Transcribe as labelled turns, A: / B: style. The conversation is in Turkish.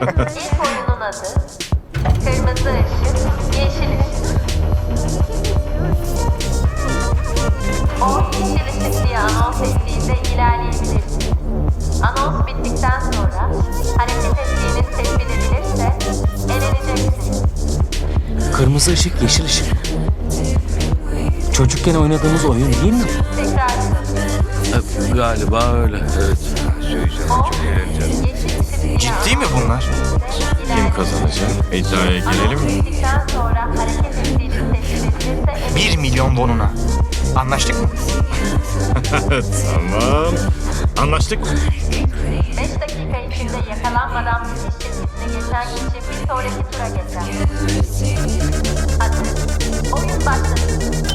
A: İlk oyunun adı Kırmızı Işık, Yeşil Işık. O yeşil ışık diye anons ettiğinde ilerleyebilirsiniz. Anons bittikten sonra hareket ettiğiniz tespit edilirse eleneceksiniz.
B: Kırmızı ışık, yeşil ışık. Çocukken oynadığımız oyun değil mi?
A: Tekrar
C: Galiba öyle, evet.
A: o yeşil ışık diye
D: Ciddi mi bunlar?
A: Kim
C: Kazanacak? İddiaya girelim mi?
A: Bittikten sonra hareket ettiğiniz tespit edilirse
D: 1 milyon wonuna. Anlaştık mı?
C: Tamam. Anlaştık.
A: 5 dakika içinde yakalanmadan bitiş çizgisine geçen kişi bir sonraki tura geçer. Hadi, oyun başladı.